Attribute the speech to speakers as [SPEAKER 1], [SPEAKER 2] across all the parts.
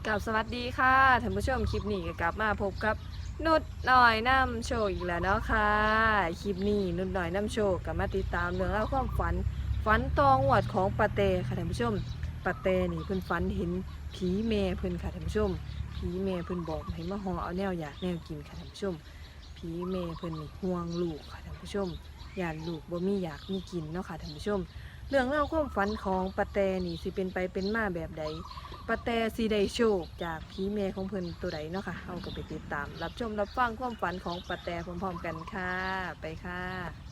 [SPEAKER 1] กับสวัสดีค่ะท่านผู้ชมคลิปนี้ก็กลับมาพบกับนุดหน่อยน้ำโชว์อีกแล้วเนาะค่ะคลิปนี้นุดหน่อยน้ำโชว์กับมาติดตามเรื่องราวความฝันตองหวดของปาเต้ค่ะท่านผู้ชมปาเต้นี่เพิ่นฝันเห็นผีแม่เพิ่นค่ะท่านผู้ชมผีแม่เพิ่นบอกให้มาห่อเอาแนวอยากแนวกินค่ะท่านผู้ชมผีแม่เพิ่นนี่ห่วงลูกค่ะท่านผู้ชมย่านลูกบ่มีอยากมีกินเนาะค่ะท่านผู้ชมเรื่องราวความฝันของปาเต้นี่สิเป็นไปเป็นมาแบบใดปาเต้สิได้โชคจากผีแม่ของเพิ่นตัวใดเนาะค่ะเฮาก็ไปติดตามรับชมรับฟังความฝันของปาเต้พร้อมๆกันค่ะไปค่ะ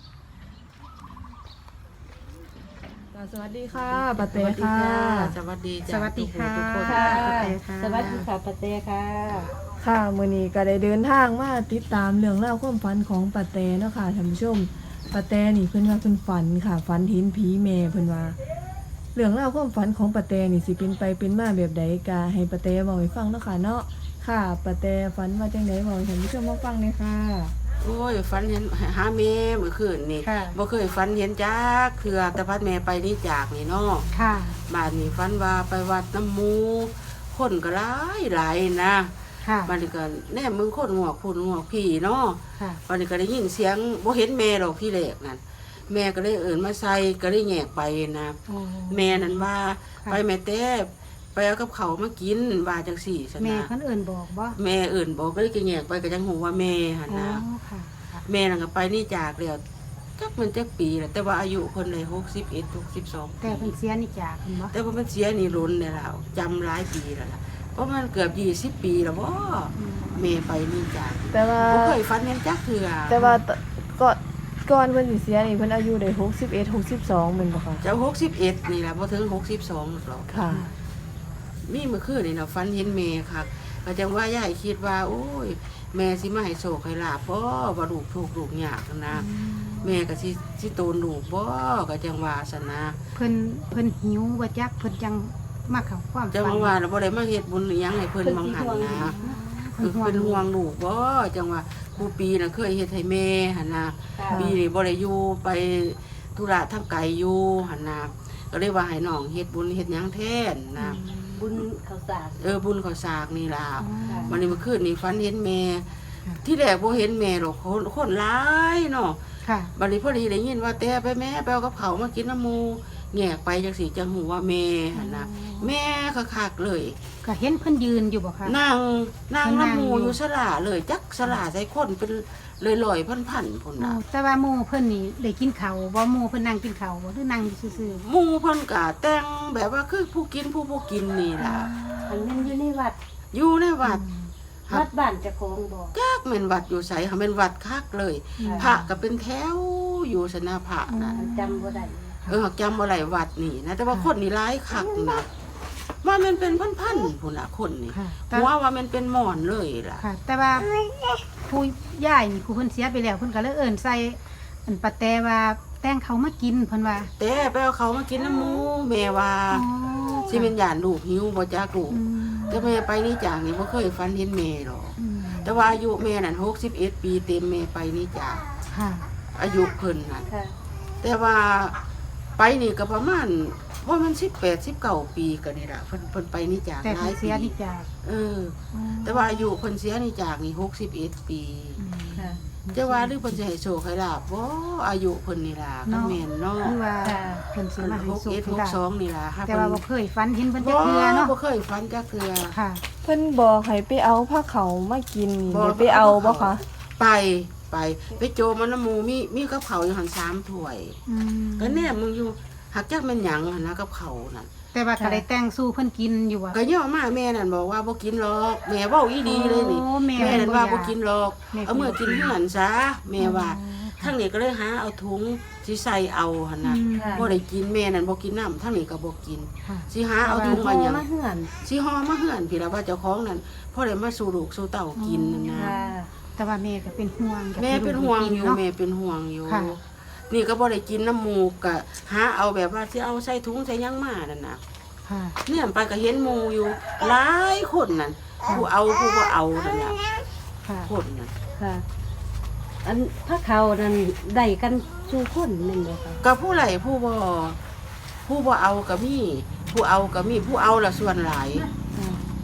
[SPEAKER 1] สวัสดีค่ะปาเต้ค่ะ
[SPEAKER 2] สวัสดี
[SPEAKER 3] สวัสดีค่ะ
[SPEAKER 2] ทุกคน
[SPEAKER 3] ค่ะ
[SPEAKER 2] สวัสดีค่ะปะเต้ค่ะ
[SPEAKER 1] ค่ะมื้อนี้ก็ได้เดินทางมาติดตามเรื่องราวความฝันของปาเต้เนาะค่ะท่านผู้ชมปาเต้นี่เพิ่นว่าเพิ่นฝันค่ะฝันเห็นผีแม่เพิ่นว่าเรื่องราวความฝันของปาเต้นี่สิเป็นไปเป็นมาแบบใดก็ให้ปาเต้เว้าให้ฟังเนาะค่ะเนาะค่ะปาเต้ฝันว่าจังได๋เว้าให้ท่านผู้ชมมาฟังเลยค่ะ
[SPEAKER 2] โอ้ยฝันเห็นหาแม่เมื่อคืนนี่
[SPEAKER 3] ค่ะ
[SPEAKER 2] บ่เคยฝันเห็นจักเทื่อแต่พัดแม่ไปนี่จากนี่เนาะ
[SPEAKER 3] ค่ะ
[SPEAKER 2] บ้านนี้ฝันว่าไปวัดน้ำหมูคนก็หลายนะ
[SPEAKER 3] ค่ะ
[SPEAKER 2] บ้านนี้ก็แน่มึงคนงอกพูนงอกพี่เนาะ
[SPEAKER 3] ค่ะ
[SPEAKER 2] บ้านนี้ก็ได้ยินเสียงบ่เห็นแม่หรอกที่แรกนั่นแม่ก็เลยเอิ้นมาใส่ก็เลยแยกไปนะ
[SPEAKER 3] โอ้
[SPEAKER 2] แม่นั่นว่า
[SPEAKER 3] ค่ะ
[SPEAKER 2] ไปแม่แต้ไปเอากับเขาวมากินว่าจังซี่ซั่น
[SPEAKER 3] แม่
[SPEAKER 2] นะ
[SPEAKER 3] เพิ่นเอิ่นบอกบ่
[SPEAKER 2] แม่เอิ้นบอกก็เลยแยกไปก็จังฮู้ว่าแม่หั่น
[SPEAKER 3] อ๋อ
[SPEAKER 2] นะ
[SPEAKER 3] ค่ะค่ะ
[SPEAKER 2] แม่นั่นก็ไปนี่จากแล้วจักมันจักปีแล้วแต่ว่าอายุเพิ่นได้61 62
[SPEAKER 3] แต่เพิ่นเสียนี่จากเพิ่นบ่
[SPEAKER 2] แต่ว่ามันเสียนี่ล้นแล้วล่ะจำหลายปีแล้วล่ะเพราะมันเกือบ20 ปีแล้วบ่แม่ไปนี่จาก
[SPEAKER 1] แต่ว่า
[SPEAKER 2] บ่เคยฝันเห็นจักเทื่อ
[SPEAKER 1] แต่ว่าก่อนเพิ่นสิเสียนี่เพิ่นอายุได้61 62แม่นบ่คะ
[SPEAKER 2] เจ้า61นี่ล่ะบ่ถึง62หรอก
[SPEAKER 1] ค่ะ
[SPEAKER 2] มีเมื่อคืนนี่น่ะฝันเห็นแม่ค่ะก็จังว่ายายคิดว่าโอ้ยแม่สิมาให้โชคให้ลาภบ่ว่าลูกทุกข์ลูกยากนะแม่ก็สิโตนลูกบ่ก็จังว่าซั่นนะ
[SPEAKER 3] เพิ่นหิวบ่จักเพิ่นจังมาเข้าความ
[SPEAKER 2] จังว่าเราบ่ได้มาเฮ็ดบุญอิหยังให้เพิ่นบังหันนะ
[SPEAKER 3] เพิ่นห่ว
[SPEAKER 2] เป็น
[SPEAKER 3] ง
[SPEAKER 2] ห่วงลูกบ่จังว่าผู้ปีน่ะเคยเฮ็ดให้แม่หั่นน่ะปีนี้บ่ได้อยู่ไปธุระทางไกลอยู่หั่นน่ะก็เลยว่าให้น้องเฮ็ดบุญเฮ็ดหยังแทนนะ
[SPEAKER 4] บุญข้าวสาร
[SPEAKER 2] บุญข้าวสากนี่ล่ะ
[SPEAKER 3] อ๋อ
[SPEAKER 2] วันนี้เมื่อคืนนี้ฝันเห็นแม่
[SPEAKER 3] ค่ะ
[SPEAKER 2] ที่แรกบ่เห็นแม่หรอกคนหลายเนาะ
[SPEAKER 3] ค่ะ
[SPEAKER 2] บัดนี้พอดีได้ยินว่าแต่ไปแม่ไปเอากับเขาวมากินน้ำหมูแงกไปจังสิจังหูว่าแม่หั่นน่ะแม่คักๆเลย
[SPEAKER 3] ก็เห็นเพิ่นยืนอยู่บ่คะ
[SPEAKER 2] นาง
[SPEAKER 3] เพิ่นนั่ง
[SPEAKER 2] น้ำหมู
[SPEAKER 3] อยู่
[SPEAKER 2] อยู่สลาเลยจักสลาใส่คนเป็นลอยๆพันๆพุ่น
[SPEAKER 3] โอ้
[SPEAKER 2] น่ะ
[SPEAKER 3] แต่ว่าหมู่เพิ่นนี่ได้กินข้าวบ่หมู่เพิ่นนั่งกินข้าวบ่หรือนั่งอยู่ซื่อ
[SPEAKER 2] หมูเพิ่นก็แต่งแบบว่าคือผู้กินผู้บ่กินนี่ล่ะ
[SPEAKER 4] อันนั้นอยู่ในวัด
[SPEAKER 2] อยู่ในวัด
[SPEAKER 4] วัดบ้านเจะของบอก
[SPEAKER 2] จักแม่นวัดอยู่ไสค่ะแม่นวัดคักเลย พระก็เป็นแถวอยู่สนาพระน่ะ
[SPEAKER 4] มันจำบ่ได้
[SPEAKER 2] จำบ่ได้วัดนี่นะแต่ว่าคนนี่หลายคักนะว่ามันเป็นพันๆพุ่นน่ะคนนี่
[SPEAKER 3] ค่ะแต่
[SPEAKER 2] หัวว่ามันเป็นหมอนเลยล่ะ
[SPEAKER 3] ค่ะ แต่ว่าผู้ย่ายนี่ผู้เพิ่นเสียไปแล้วเพิ่นก็เลยเอิ้นใส่อันปะแต่ว่าแต่งเขามากินเพิ่นว่า
[SPEAKER 2] แต่ไปเอาเขามากินน้ำหมูแม่ว่า
[SPEAKER 3] อ๋อ
[SPEAKER 2] สิเป็นหยานลูกหิวบ่จักลูก
[SPEAKER 3] อืม
[SPEAKER 2] แต่แม่ไปนี่จากนี่บ่เคยฝันเห็นแม่หรอก
[SPEAKER 3] อืม
[SPEAKER 2] แต่ว่าอายุแม่นั่น61 ปีเต็มแม่ไปนี่จาก
[SPEAKER 3] ค่ะ
[SPEAKER 2] อายุเพิ่นนั่น
[SPEAKER 4] ค่ะ
[SPEAKER 2] แต่ว่าไปนี่ก็ประมาณว่ามัน18 19ปีก็นี่ล่ะเพิ่นไปนี่จาก
[SPEAKER 3] แต่
[SPEAKER 2] หลา
[SPEAKER 3] เพิ่น
[SPEAKER 2] ย
[SPEAKER 3] เสี
[SPEAKER 2] ปี
[SPEAKER 3] ยนี่จาก
[SPEAKER 2] แต่ว่าอายุเพิ่นเสียนี่จากนี่61 ปี
[SPEAKER 4] ค่ะ
[SPEAKER 2] จะว่าหรือเพิ่นสิให้โชคให้ลาบบ่อายุเพิ่นนี่ล่ะก็แม่นเนาะ
[SPEAKER 3] คือว่าเพิ่นสิมาให้สุขให้ลาภ
[SPEAKER 2] 61 62นี่ล่ะ
[SPEAKER 3] แต่ว่าบ่เคยฝันเห็นเพิ่นจั
[SPEAKER 2] บ่
[SPEAKER 3] กเทื่อเนาะ
[SPEAKER 2] บ่เคยฝันจักเทื่อ
[SPEAKER 3] ค่ะ
[SPEAKER 1] เพิ่นบอกให้ไปเอาผ้าเขาวมากินนี่
[SPEAKER 2] บ่
[SPEAKER 1] ได้ไปเอาบ่คะ
[SPEAKER 2] ไปโจมมันน้ำหมูมีกับเขาวอยู่หั่น3ถ้วย
[SPEAKER 3] อืม
[SPEAKER 2] ก็แน่มึงอยู่หักจักแม่นหยังหั่นนะกับเขาวนั่น
[SPEAKER 3] แต่ว่าก็ได้แต่งสู้เพิ่นกินอยู่ว่า
[SPEAKER 2] ก็ย่อมาแม่นั่นบอกว่าบ่กินหรอกแม่เว้าอีดีเลยนี่
[SPEAKER 3] โอ้แม่
[SPEAKER 2] แม่นั่นว่าบ่กินหรอก
[SPEAKER 3] แม่
[SPEAKER 2] เอาเมื่อกินเหือนซะแม่ว่าทั้งนี้ก็เลยหาเอาถุงสิใส่เอาหั่นน่ะ
[SPEAKER 4] ค่ะ
[SPEAKER 2] บ่ได้กินแม่นั่นบ่กินน้ำทั้งนี้ก็บ่กิน
[SPEAKER 3] ค่ะ
[SPEAKER 2] สิหาเอาถุง
[SPEAKER 4] พ
[SPEAKER 2] มาหยัง
[SPEAKER 4] มาเหือน
[SPEAKER 2] สิห่อมาเหือนพี่ละว่าเจ้าของนั่นพอได้มาสู่ลูกสู่เต้ากินนั่นนะ
[SPEAKER 4] ค่ะ
[SPEAKER 3] แต่ว่าแม่ก็เป็นห่วงอยาก
[SPEAKER 2] แม่
[SPEAKER 3] ให้
[SPEAKER 2] เป็น
[SPEAKER 3] ลูก
[SPEAKER 2] ห่วง
[SPEAKER 3] ได้
[SPEAKER 2] อยู่
[SPEAKER 3] กินเนาะ
[SPEAKER 2] แม่เป็นห่วงอยู่
[SPEAKER 3] ค่ะ
[SPEAKER 2] นี่ก็บ่ได้กินน้ำหมูกก็หาเอาแบบว่าสิเอาใส่ถุงใส่หยังมานั่นน่ะ
[SPEAKER 3] ค่ะ
[SPEAKER 2] เนี่ยไปก็เห็นหมู่อยู่หลายคนนั่นผู้เอาผู้บ่เอานั่นน่ะ
[SPEAKER 3] ค่ะ
[SPEAKER 2] คนน่ะ
[SPEAKER 4] ค่ะ อันพระเขานั่นได้กันสู่คนแม่นบ่ค่ะ
[SPEAKER 2] ก็ผู้ไหลผู้บ่เอาก็มีผู้เอาก็มีผู้เอาละส่วนหลาย
[SPEAKER 3] ค่ะ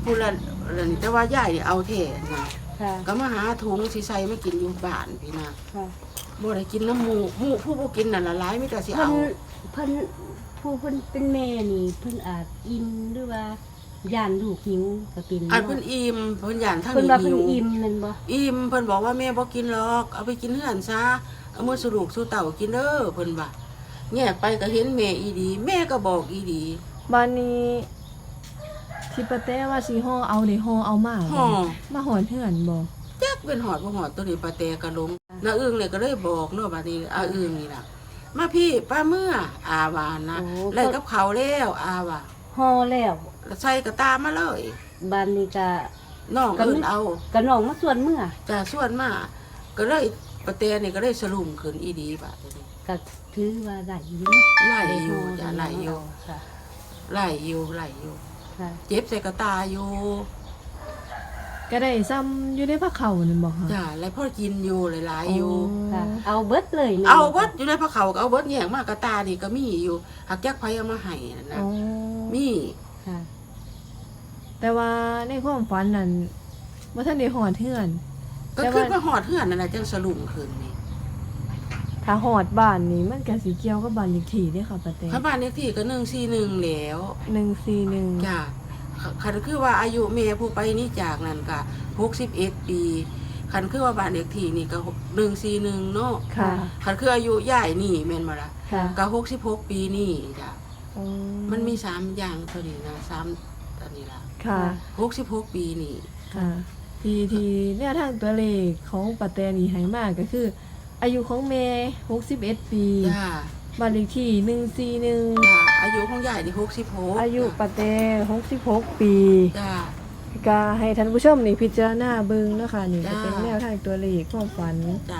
[SPEAKER 2] พูดละนี่แต่ว่ายายนี่เอาแท้นะ
[SPEAKER 4] ค่ะ
[SPEAKER 2] ก็มาหาถุงสิใส่มากินอยู่บ้านพี่นะ
[SPEAKER 4] ค่ะ
[SPEAKER 2] บ่ได้กินน้ำหมูผู้บ่กินนั่นละหลายมีแต่สิ
[SPEAKER 4] เพิ่น
[SPEAKER 2] เอา
[SPEAKER 4] เพิ่นผู้เพิ่นเป็นแม่นี่เพิ่นอาจอิ่มหรือว่าย่านลูกหิวก็เป็น
[SPEAKER 2] อันเพิ่นอิ่มเพิ่นย่านทาง
[SPEAKER 4] เพิ่น
[SPEAKER 2] นี้
[SPEAKER 4] ว่าเพิ่
[SPEAKER 2] หิ
[SPEAKER 4] น
[SPEAKER 2] ว
[SPEAKER 4] อิ่มแม่นบ่
[SPEAKER 2] อิ่มเพิ่นบอกว่าแม่บ่กินหรอกเอาไปกินเฮือนซะเอามือสลูกสู่เต่ากินเด้อเพิ่นว่าแยกไปก็เห็นแม่อีดีแม่ก็บอกอีดี
[SPEAKER 1] บ้านนี้ที่ปะแต้ว่าสิห่อเอาได้ห่อเอามาบ่
[SPEAKER 2] ห่อ
[SPEAKER 1] มาหอนเฮือนบ่
[SPEAKER 2] จักเป็นหอดบ่หอดตัวนี้ปลาแตกระลงน้าอึ้งเนี่ยก็เลยบอกเนาะบัดนี้อาอึ้งนี่ล่ะมาพี่ป้าเมื่ออาวานะไล่กับเขาวแล้วอาว่า
[SPEAKER 4] ห่อแล้ว
[SPEAKER 2] ใส่กระตามาเลย
[SPEAKER 4] บ้านนี้ก็
[SPEAKER 2] น้อง
[SPEAKER 4] ก็ไม่
[SPEAKER 2] เอิ้นเอา
[SPEAKER 4] ก็น้องมาส่วนเมื่อ
[SPEAKER 2] จะส่วนมาก็เลยปลาแตนี่ก็เลยสลุมขึ้นอีดีบาดนี้
[SPEAKER 4] ก็ถือว่าได้อยู่
[SPEAKER 2] ไล่อยู่จ้ะไล่อยู่
[SPEAKER 4] ค่ะ
[SPEAKER 2] ไล่อยู่ไล่อยู่
[SPEAKER 4] ค่ะ
[SPEAKER 2] เจ็บใส่กระตาอยู่
[SPEAKER 1] ก็ได้ซ้ำอยู่ในผ้าเขานั่นบ่คะ
[SPEAKER 2] จ้ะแล้วพ่อกินอยู่หลายๆอยู่
[SPEAKER 4] ค่ะ เอาเบิดเลยแม่น
[SPEAKER 2] เอาเบิดอยู่ในพระเขาก็เอาเบิดแยกมากระตานี่ก็มีอยู่หักจักไผเอามาให้นั่นนะ
[SPEAKER 1] อ๋อ
[SPEAKER 2] มี
[SPEAKER 4] ค่ะ
[SPEAKER 1] แต่ว่าในความฝันนั้นบ่ทันได้หอดเฮือน
[SPEAKER 2] ก็
[SPEAKER 1] แต่
[SPEAKER 2] ขึ้
[SPEAKER 1] ว่า
[SPEAKER 2] นมาหอดเฮือนนั่นแหละจังสลุมขึ้นนี่
[SPEAKER 1] ถ้าหอดบ้านนี่มันก็สิเกี่ยวกับบ้านเลขที่เด้ค่ะปะแต้
[SPEAKER 2] พระบ้านเลขที่ก็141แล้ว
[SPEAKER 1] 141
[SPEAKER 2] จ้ะคันคือว่าอายุแม่ผู้ไปนี่จากนั่นก็61ปีคันคือว่าบ้านเลขที่นี่ก็141เนาะ
[SPEAKER 1] ค่ะ
[SPEAKER 2] คันคืออายุยายนี่แม่นบ่ล่ะ
[SPEAKER 1] ค่ะ
[SPEAKER 2] ก็66ปีนี่จ้ะ
[SPEAKER 1] อ๋อ
[SPEAKER 2] มันมี3อย่างเท่านี้นะ3อันนี้ล่ะ
[SPEAKER 1] ค่ะ
[SPEAKER 2] 66ปีนี่
[SPEAKER 1] ค่ะที่แนวทางตัวเลขของปะแตนี่ให้มาก็คือ อายุของแม่61 ปี
[SPEAKER 2] จ้า
[SPEAKER 1] บ้านเลขที่141
[SPEAKER 2] จ้าอายุของยายนี่66
[SPEAKER 1] อายุปะแต66 ปี
[SPEAKER 2] จ้า
[SPEAKER 1] ก็ให้ท่านผู้ชมนี่พิจารณาเบิ่งเนาะค่ะนี่ก็
[SPEAKER 2] จ้า
[SPEAKER 1] เป็นแนวทางตัวเลขความฝัน
[SPEAKER 2] จ้า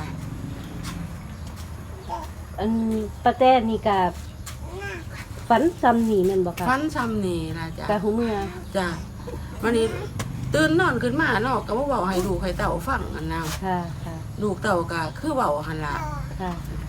[SPEAKER 4] อันปะแต้นี่ก็ฝันซ้ำนี่แม่นบ่ค่ะ
[SPEAKER 2] ฟันซ้ำนี่ล่ะจ้ะ
[SPEAKER 4] กะหูเมื่อ
[SPEAKER 2] จ้ะวันนี้ตื่นนอนขึ้นมาเนาะก็บ่เว้าให้ลูกให้เต่าฟังอันนะ
[SPEAKER 4] ค่ะ ค่ะ
[SPEAKER 2] ลูกเต่าก็คือเว้าหั่นล่ะ
[SPEAKER 4] ค่ะ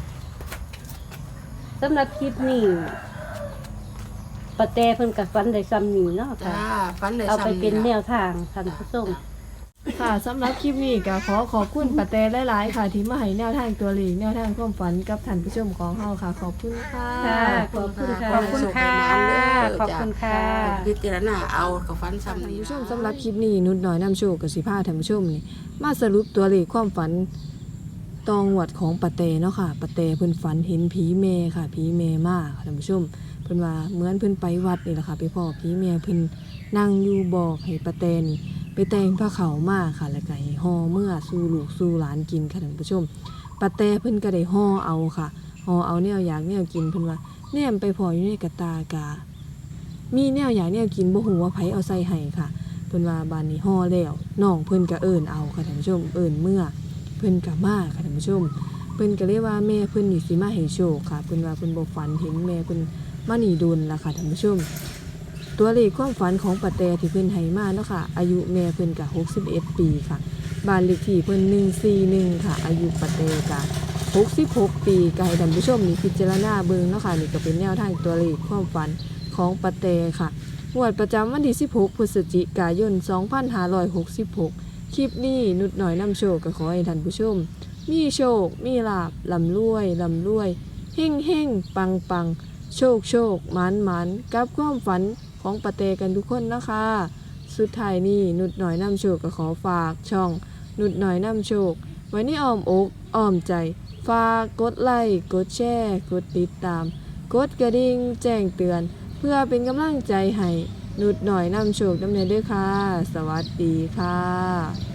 [SPEAKER 4] สำหรับคลิปนี้ปะแตเพิ่นกับฟันได้ซ้ำนี่เนาะ
[SPEAKER 2] จ้า
[SPEAKER 4] ค่ะ
[SPEAKER 2] ฟันได้
[SPEAKER 4] เอา
[SPEAKER 2] ซ้ำ
[SPEAKER 4] ไปเป็นแน
[SPEAKER 2] ล่ะ
[SPEAKER 4] วทางท่านผู้ชม
[SPEAKER 1] ค่ะสำหรับคลิปนี้ก็ขอบคุณปะแตหลายๆค่ะ ที่มาให้แนวทางตัวเลขแนวทางความฝันกับท่านผู้ชมของเฮาค่ะ ขอบคุณค่ะ
[SPEAKER 4] ค่ะ ขอบคุณค่ะ
[SPEAKER 3] ขอบคุณค่ะ ขอบคุณค่ะ
[SPEAKER 2] พิจารณาเอาก็ฟันซ้ำ
[SPEAKER 1] ท่าน
[SPEAKER 2] นี่
[SPEAKER 1] ผู้ชม
[SPEAKER 2] ล่ะ
[SPEAKER 1] สำหรับคลิปนี้นุดน้อยนำโชคกับสิพาท่านผู้ชมนี่มาสรุปตัวเลขความฝันตองหวดของปะแตเนาะค่ะปะแตเพิ่นฝันเห็นผีแม่ค่ะผีแม่มาค่ะท่านผู้ชมเพิ่นว่าเหมือนเพิ่นไปวัดนี่แหละค่ะไปพ่อผีแม่เพิ่นนั่งอยู่บอกให้ปะแตนี่ไปแต่งผ้าขาวมาค่ะแล้วก็ให้ห่อเมื่อสู่ลูกสู่หลานกินค่ะท่านผู้ชมปะแตเพิ่นก็ได้ห่อเอาค่ะห่อเอาแนวอยากแนวกินเพิ่นว่าแนมไปพออยู่ในกระตากามีแนวอยากแนวกินบ่ฮู้ว่าไผเอาใส่ให้ค่ะ เพิ่นว่าบ้านนี้ห่อแล้วน้องเพิ่นก็เอิ้นเอาค่ะท่านผู้ชมเอิ้นเมื่อเพิ่นก็มาค่ะท่านผู้ชมเพิ่นก็เลยว่าแม่เพิ่นนี่สิมาให้โชคค่ะเพิ่นว่าเพิ่นบ่ฝันเห็นแม่เพิ่นมานี่ดุลล่ะค่ะท่านผู้ชมตัวเลขความฝันของปะแตที่เพิ่นให้มาเนาะค่ะอายุแม่เพิ่นก็61 ปีค่ะบ้านเลขที่เพิ่น141ค่ะอายุปะแตก็66 ปีก็ให้ท่านผู้ชมนี่พิจารณาเบิ่งเนาะค่ะนี่ก็เป็นแนวทางตัวเลขความฝันของปะแตค่ะ งวดประจำวันที่ 16 พฤศจิกายน 2566 คลิปนี้นุดหน่อยนำโชคก็ขอให้ท่านผู้ชม มีโชค มีลาบลำรวยลำรวยเฮ่งเฮ่งปังปังโชคโชคหมันหมันกับความฝันของปะเตกันทุกคนนะคะ สุดท้ายนี้นุดหน่อยนำโชคก็ขอฝากช่อง นุดหน่อยนำโชค ไว้ในอ้อมอกอ้อมใจ ฝากกดไลค์กดแชร์กดติดตาม กดกระดิ่งแจ้งเตือน เพื่อเป็นกำลังใจให้นุดหน่อยนำโชคนำเนินด้วยค่ะ สวัสดีค่ะ